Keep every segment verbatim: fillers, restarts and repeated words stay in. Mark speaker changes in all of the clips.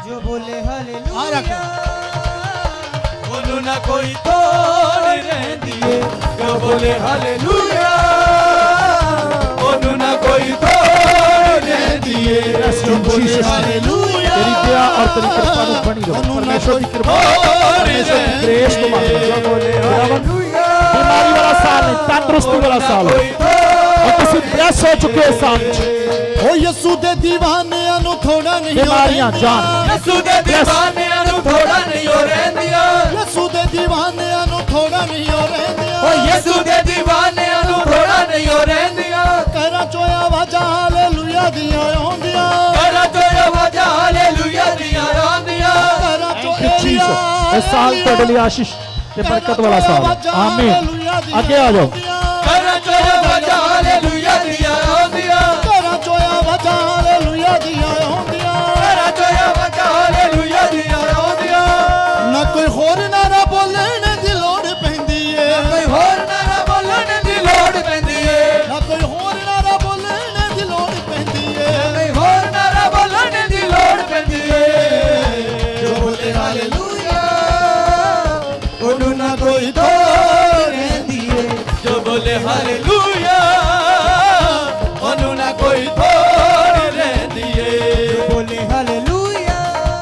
Speaker 1: जो बोले हालेलुया
Speaker 2: ਉਹਨੂੰ ਨਾ ਕੋਈ ਤੋੜ ਰਹਿੰਦੀ ਏ ਜੋ ਬੋਲੇ ਹਾਲੇਲੂਇਆ ਉਹਨੂੰ ਨਾ ਕੋਈ ਤੋੜ ਰਹਿੰਦੀ ਏ ਜੋ ਬੋਲੇ ਹਾਲੇਲੂਇਆ
Speaker 3: तेरी दया और तेरी कृपा ਨੂੰ ਬਣੀ ਰਹੋ परमेश्वर की कृपा परमेश्वर की ग्रेस को मांगो जो बोले हालेलुया बीमारी वाला साल नहीं तंदुरुस्ती वाला साल और किसी ब्लेस हो चुके साल ओ यीशु दे दीवानिਆਂ ਨੂੰ ਥੋੜਾ ਨਹੀਂ बीमारियां जान
Speaker 2: ਯਿਸੂ ਦੇ دیਵਾਨਿਆਂ ਨੂੰ ਥੋੜਾ ਨਹੀਂ ਹੋ ਰਹਿੰਦੀਆਂ
Speaker 3: ਯਿਸੂ ਦੇ دیਵਾਨਿਆਂ ਨੂੰ ਥੋੜਾ ਨਹੀਂ ਹੋ ਰਹਿੰਦੀਆਂ
Speaker 2: ਓ ਯਿਸੂ ਦੇ دیਵਾਨਿਆਂ ਨੂੰ ਥੋੜਾ ਨਹੀਂ ਹੋ ਰਹਿੰਦੀਆਂ
Speaker 3: ਘਰਾਂ ਚੋਂ ਆਵਾਜ਼ਾਂ ਹਾਲੇਲੂਇਆ ਦੀਆਂ ਆਉਂਦੀਆਂ
Speaker 2: ਘਰਾਂ ਚੋਂ ਆਵਾਜ਼ਾਂ ਹਾਲੇਲੂਇਆ ਦੀਆਂ ਆਉਂਦੀਆਂ
Speaker 3: ਘਰਾਂ ਚੋਂ ਇਹ ਸਾਲ ਤੁਹਾਡੇ ਲਈ ਆਸ਼ੀਸ਼ ਤੇ ਬਰਕਤ ਵਾਲਾ ਸਾਲ ਆਮੀਨ ਅੱਗੇ ਆ ਜਾਓ
Speaker 2: ਘਰਾਂ ਚੋਂ ਆਵਾਜ਼ਾਂ ਹਾਲੇਲੂਇਆ ਦੀਆਂ ਆਉਂਦੀਆਂ
Speaker 3: ਘਰਾਂ ਚੋਂ ਆਵਾਜ਼ਾਂ ਹਾਲੇਲੂਇਆ ਦੀਆਂ ਆਉਂਦੀਆਂ
Speaker 2: ਘਰਾਂ ਚੋਂ ਆਵਾਜ਼ਾਂ ਹਾਲੇਲੂਇਆ ਦੀਆਂ ਆਉਂਦੀਆਂ
Speaker 3: ਨਾ ਕੋਈ ਹੋਰ ਨਾਰਾ ਬੋਲਣ ਦੀ ਲੋੜ ਪੈਂਦੀ ਏ
Speaker 2: ਕੋਈ ਹੋਰ ਨਾਰਾ ਬੋਲਣ ਦੀ ਲੋੜ ਪੈਂਦੀ ਏ
Speaker 3: ਨਾ ਕੋਈ ਹੋਰ ਨਾਰਾ ਬੋਲਣ ਦੀ ਲੋੜ ਪੈਂਦੀ ਏ
Speaker 2: ਕੋਈ ਹੋਰ ਨਾਰਾ ਬੋਲਣ ਦੀ ਲੋੜ ਪੈਂਦੀ ਏ ਜੋ ਬੋਲੇ ਹਾਲੇਲੂਇਆ ਉਹਨੂੰ ਨਾ ਕੋਈ ਤੋੜ ਰਹਿੰਦੀ ਏ ਜੋ ਬੋਲੇ ਹਾਲੇਲੂਇਆ ਉਹਨੂੰ ਨਾ ਕੋਈ ਤੋੜ ਰਹਿੰਦੀ ਏ
Speaker 1: जो बोले हालेलुया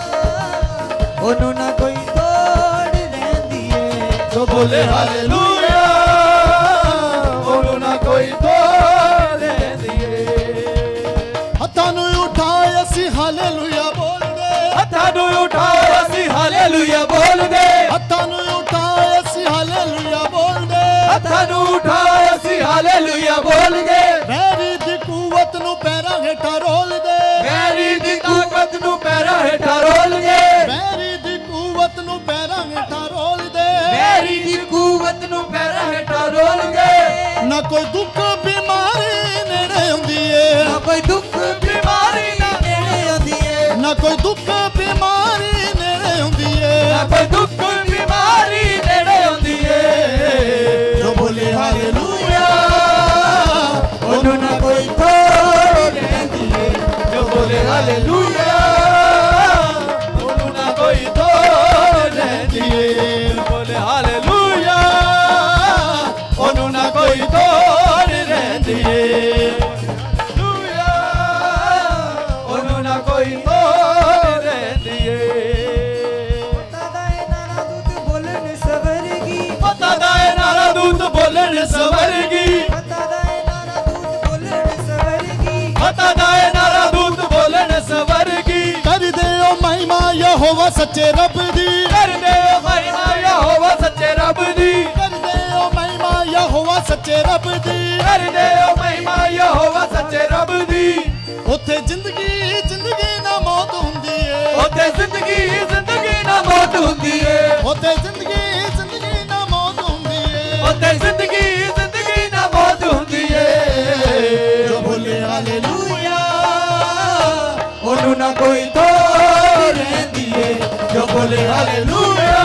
Speaker 1: ਉਹਨੂੰ ਨਾ ਕੋਈ ਤੋੜ ਰਹਿੰਦੀ ਏ
Speaker 2: ਜੋ ਬੋਲੇ ਹਾਲੇਲੂਇਆ ਉਹਨੂੰ ਨਾ ਕੋਈ ਤੋੜ ਰਹਿੰਦੀ ਏ
Speaker 3: ਹੱਥਾਂ ਨੂੰ ਉਠਾਏ ਅਸੀਂ ਹਾਲੇਲੂਇਆ ਬੋਲਦੇ
Speaker 2: ਹੱਥਾਂ ਨੂੰ ਉਠਾਓ ਅਸੀਂ ਹਾਲੇਲੂਇਆ ਬੋਲਦੇ
Speaker 3: ਹੱਥਾਂ ਨੂੰ ਉਠਾਏ ਅਸੀਂ ਹਾਲੇਲੂਇਆ ਬੋਲਦੇ
Speaker 2: ਹੱਥਾਂ ਨੂੰ ਉਠਾਓ ਅਸੀਂ ਹਾਲੇਲੂਇਆ ਬੋਲਦੇ
Speaker 3: ਵੈਰੀ ਦੀ ਕੂਵਤ ਨੂੰ ਪੈਰਾਂ ਹੇਠਾਂ ਰੋਲਦੇ
Speaker 2: ਵੈਰੀ ਦੀ ਤਾਕਤ ਨੂੰ ਪੈਰਾਂ ਹੇਠਾਂ ਰੋਲਦੇ
Speaker 3: ਵੈਰੀ ਦੀ ਕੂਵਤ ਨੂੰ ਪੈਰਾਂ ਹੇਠਾਂ ਰੋਲਦੇ
Speaker 2: ਵੈਰੀ ਦੀ ਕੂਵਤ ਨੂੰ ਪੈਰਾਂ ਹੇਠਾਂ ਰੋਲਦੇ
Speaker 3: ਨਾ ਕੋਈ ਦੁੱਖ ਬਿਮਾਰੀ ਨੇੜੇ ਹੁੰਦੀ ਏ
Speaker 2: ਨਾ ਕੋਈ ਦੁੱਖ ਬਿਮਾਰੀ ਨਾ ਨੇੜੇ ਆਉਂਦੀ ਏ
Speaker 3: ਨਾ ਕੋਈ ਦੁੱਖ ਬਿਮਾਰੀ ਨੇੜੇ ਹੁੰਦੀ ਏ
Speaker 2: ਨਾ ਕੋਈ ਦੁੱਖ ਬਿਮਾਰੀ ਨੇੜੇ ਆਉਂਦੀ ਏ
Speaker 3: ਜੋ ਬੋਲੇ ਹਾਲੇਲੂਇਆ
Speaker 2: ਉਹਨੂੰ ਨਾ ਕੋਈ ਤੋੜ ਰਹਿੰਦੀ ਏ ਜੋ ਬੋਲੇ ਹਾਲੇਲੂਇਆ ਉਹਨੂੰ ਨਾ ਕੋਈ ਤੋੜ ਰਹਿੰਦੀ ਏ ਜੋ ਬੋਲੇ ਹਾਲੇਲੂਇਆ ਉਹਨੂੰ ਨਾ ਕੋਈ ਤੋੜ ਰਹਿੰਦੀ ਏ ਹਾਲੇਲੂਇਆ ਉਹਨੂੰ ਨਾ ਕੋਈ ਤੋੜ ਰਹਿੰਦੀ ਏ
Speaker 1: ਪਤਾ ਦਾ ਇਹ ਨਾਰਾ ਦੂਤ ਬੋਲਣ ਸਵਰਗੀ
Speaker 2: ਪਤਾ ਦਾ ਇਹ ਨਾਰਾ ਦੂਤ ਬੋਲਣ ਸਵਰਗੀ
Speaker 1: ਪਤਾ ਦਾ ਇਹ ਨਾਰਾ ਦੂਤ ਬੋਲਣ ਸਵਰਗੀ
Speaker 2: ਪਤਾ ਦਾ ਇਹ ਨਾਰਾ ਦੂਤ ਬੋਲਣ ਸਵਰਗੀ
Speaker 3: ਕਰਦੇ ਓ ਮਹਿਮਾ ਯਹੋਵਾ ਸੱਚੇ ਰੱਬ ਦੀ
Speaker 2: ਕਰਦੇ ਓ ਮਹਿਮਾ ਯਹੋਵਾ ਸੱਚੇ ਰੱਬ ਦੀ
Speaker 3: ਕਰਦੇ ਓ ਮਹਿਮਾ ਯਹੋਵਾ ਸੱਚੇ ਰੱਬ ਦੀ
Speaker 2: ਕਰਦੇ ਓ ਮਹਿਮਾ ਯਹੋਵਾ ਸੱਚੇ ਰੱਬ ਦੀ
Speaker 3: ਉੱਥੇ ਜ਼ਿੰਦਗੀ ਜ਼ਿੰਦਗੀ ਨਾ ਮੌਤ ਹੁੰਦੀ ਏ
Speaker 2: ਉੱਥੇ ਜ਼ਿੰਦਗੀ ਜ਼ਿੰਦਗੀ ਨਾ ਮੌਤ ਹੁੰਦੀ ਏ
Speaker 3: ਉੱਥੇ ਜ਼ਿੰਦਗੀ ਜ਼ਿੰਦਗੀ ਨਾ ਮੌਤ ਹੁੰਦੀ ਏ
Speaker 2: ਉੱਥੇ ਜ਼ਿੰਦਗੀ ਜ਼ਿੰਦਗੀ ਨਾ ਮੌਤ ਹੁੰਦੀ ਏ
Speaker 3: ਜੋ ਬੋਲੇ ਹਾਲੇਲੂਇਆ
Speaker 2: ਉਹਨੂੰ ਨਾ ਕੋਈ ਤੋੜ ਰਹਿੰਦੀ ਏ ਜੋ ਬੋਲੇ ਹਾਲੇਲੂਇਆ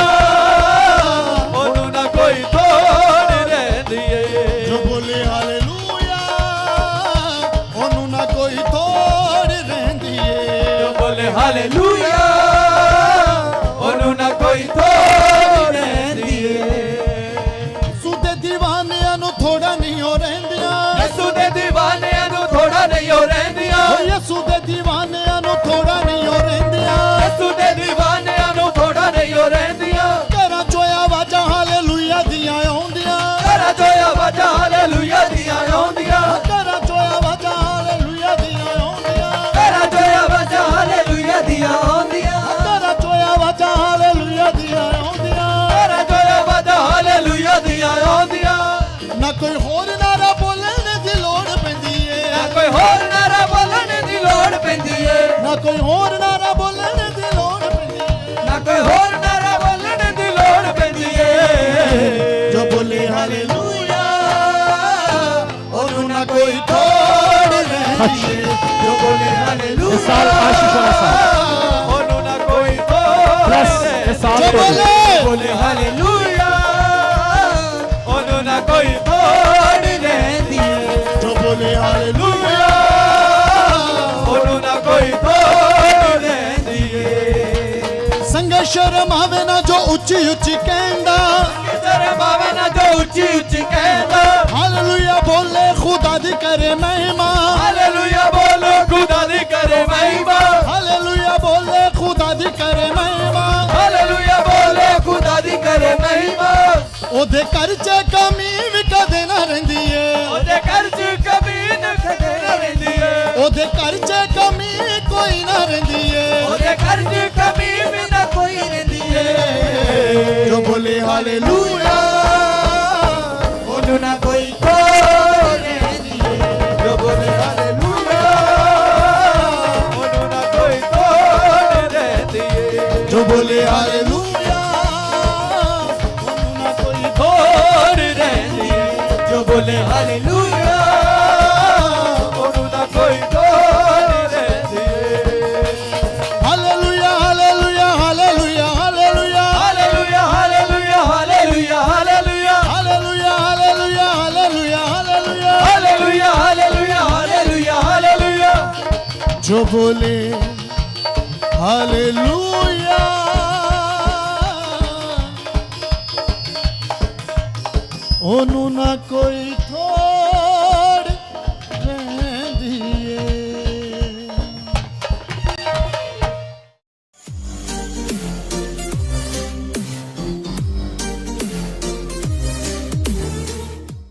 Speaker 2: ਉਹਨੂੰ ਨਾ ਕੋਈ ਤੋੜ ਰਹਿੰਦੀ ਏ
Speaker 3: ਜੋ ਬੋਲੇ ਹਾਲੇਲੂਇਆ ਉਹਨੂੰ ਨਾ ਕੋਈ ਤੋੜ ਰਹਿੰਦੀ ਏ
Speaker 2: ਜੋ ਬੋਲੇ ਹਾਲੇਲੂਇਆ ਉਹਨੂੰ ਨਾ ਕੋਈ ਤੋੜ ਰਹਿੰਦੀ ਏ
Speaker 3: ਸੁਦੇ دیਵਾਨਿਆਂ ਨੂੰ ਥੋੜਾ ਨਹੀਂ ਹੋ ਰਹਿੰਦੀਆਂ
Speaker 2: ਯਿਸੂ ਦੇ دیਵਾਨਿਆਂ ਨੂੰ ਥੋੜਾ ਨਹੀਂ ਹੋ ਰਹਿੰਦੀਆਂ
Speaker 3: ਓ ਯਿਸੂ ਦੇ دیਵਾਨਿਆਂ ਨੂੰ ਥੋੜਾ ਨਹੀਂ ਹੋ ਰਹਿੰਦੀਆਂ
Speaker 2: ਯਿਸੂ ਦੇ دیਵਾਨਿਆਂ ਨੂੰ ਥੋੜਾ ਨਹੀਂ ਹੋ ਰਹਿੰਦੀਆਂ
Speaker 3: ਘਰਾਂ ਚੋਂ ਆਵਾਜ਼ਾਂ ਹਾਲੇਲੂਇਆ ਦੀਆਂ ਆਉਂਦੀਆਂ
Speaker 2: ਘਰਾਂ ਚੋਂ ਆਵਾਜ਼ਾਂ ਹਾਲੇਲੂਇਆ ਦੀਆਂ ਆਉਂਦੀਆਂ
Speaker 3: ਘਰਾਂ ਚੋਂ ਆਵਾਜ਼ਾਂ ਹਾਲੇਲੂਇਆ ਦੀਆਂ ਆਉਂਦੀਆਂ
Speaker 2: ਘਰਾਂ ਚੋਂ ਆਵਾਜ਼ਾਂ ਹਾਲੇਲੂਇਆ ਦੀਆਂ ਆਉਂਦੀਆਂ
Speaker 3: ਘਰਾਂ ਚੋਂ ਆਵਾਜ਼ਾਂ ਹਾਲੇਲੂਇਆ ਦੀਆਂ ਆਉਂਦੀਆਂ
Speaker 2: ਘਰਾਂ ਚੋਂ ਆਵਾਜ਼ਾਂ ਹਾਲੇਲੂਇਆ ਦੀਆਂ ਆਉਂਦੀਆਂ
Speaker 3: ਨਾ ਕੋਈ ਹੋਰ ਨਾਰਾ ਬੋਲਣ ਦੀ ਲੋੜ ਪੈਂਦੀ ਏ
Speaker 2: ਨਾ ਕੋਈ ਹੋਰ ਨਾਰਾ ਬੋਲਣ ਦੀ ਲੋੜ ਪੈਂਦੀ ਏ
Speaker 3: ਨਾ ਕੋਈ ਹੋਰ ਨਾਰਾ ਬੋਲਣ ਦੀ ਲੋੜ ਪੈਂਦੀ ਏ
Speaker 2: ਨਾ ਕੋਈ ਹੋਰ ਨਾਰਾ ਬੋਲਣ ਦੀ ਲੋੜ ਪੈਂਦੀ ਏ
Speaker 3: ਜੋ ਬੋਲੇ ਹਾਲੇਲੂਇਆ
Speaker 2: ਉਹਨੂੰ ਨਾ ਕੋਈ ਤੋੜ ਰਹਿੰਦੀ ਏ ਜੋ ਬੋਲੇ ਹਾਲੇਲੂਇਆ
Speaker 3: ਇਸ ਸਾਲ ਆਸ਼ੀਸ਼ ਵਾਲਾ ਸਾਲ
Speaker 2: ਉਹਨੂੰ ਨਾ ਕੋਈ ਤੋੜ
Speaker 3: Bless
Speaker 2: ਰਹਿੰਦੀ
Speaker 3: ਇਸ ਸਾਲ
Speaker 2: ਜੋ
Speaker 3: ਤੋਂ
Speaker 2: ਬੋਲੇ ਬੋਲੇ ਹਾਲੇਲੂਇਆ ਉਹਨੂੰ ਨਾ ਕੋਈ ਤੋੜ ਰਹਿੰਦੀ ਏ
Speaker 3: ਜੋ ਬੋਲੇ ਹਾਲੇਲੂਇਆ
Speaker 2: ਉਹਨੂੰ ਨਾ ਕੋਈ ਤੋੜ ਰਹਿੰਦੀ ਏ ਕਿਤੇ ਸ਼ਰਮ ਆਵੇ ਨਾ ਜੋ ਉੱਚੀ ਉੱਚੀ ਕਹਿੰਦਾ
Speaker 1: ਤੇਰੇ ਬਾਵੇ ਨਾ ਜੋ ਉੱਚੀ ਉੱਚੀ ਕਹਿੰਦਾ
Speaker 2: ਹਾਲੇਲੂਇਆ ਬੋਲੇ ਖੁਦਾ ਦੀ ਕਰੇ ਮਹਿਮਾ
Speaker 1: ਹਾਲੇਲੂਇਆ ਬੋਲੋ ਖੁਦਾ ਦੀ ਕਰੇ ਮਹਿਮਾ
Speaker 2: ਹਾਲੇਲੂਇਆ ਬੋਲੇ ਖੁਦਾ ਦੀ ਕਰੇ ਮਹਿਮਾ
Speaker 1: ਹਾਲੇਲੂਇਆ ਬੋਲੇ ਖੁਦਾ ਦੀ ਕਰੇ ਮਹਿਮਾ
Speaker 2: ਉਹਦੇ ਘਰ 'ਚ ਕਮੀ ਵੀ ਕਦੇ ਨਾ ਰਹਿੰਦੀ ਏ
Speaker 1: ਉਹਦੇ ਘਰ 'ਚ ਕਮੀ ਨਾ ਕਦੇ ਨਾ ਰਹਿੰਦੀ ਏ
Speaker 2: ਉਹਦੇ ਘਰ 'ਚ ਕਮੀ ਕੋਈ ਨਾ ਰਹਿੰਦੀ ਏ
Speaker 1: ਉਹਦੇ ਘਰ 'ਚ ਕਮੀ ਵੀ ਨਾ ਕੋਈ ਰਹਿੰਦੀ ਏ
Speaker 2: ਜੋ ਬੋਲੇ ਹਾਲੇਲੂਇਆ
Speaker 1: ਉਹਨੂੰ ਨਾ ਕੋਈ ਤੋੜ ਰਹਿੰਦੀ ਏ ਜੋ ਬੋਲੇ ਹਾਲੇਲੂਇਆ ਉਹਨੂੰ ਨਾ ਕੋਈ ਤੋੜ ਰਹਿੰਦੀ ਏ
Speaker 2: ਜੋ ਬੋਲੇ ਹਾਲੇਲੂਇਆ
Speaker 1: ਤੋੜ ਰਹਿੰਦੀ ਏ ਜੋ ਬੋਲੇ ਹਾਲੇਲੂਇਆ ਉਹਨੂੰ ਨਾ ਕੋਈ ਤੋੜ ਰਹਿੰਦੀ ਏ
Speaker 2: hallelujah hallelujah hallelujah hallelujah
Speaker 1: hallelujah hallelujah hallelujah hallelujah
Speaker 2: hallelujah hallelujah hallelujah hallelujah
Speaker 1: hallelujah hallelujah hallelujah hallelujah
Speaker 2: ਜੋ ਬੋਲੇ ਹਾਲੇਲੂਇਆ ਉਹਨੂੰ ਨਾ ਕੋਈ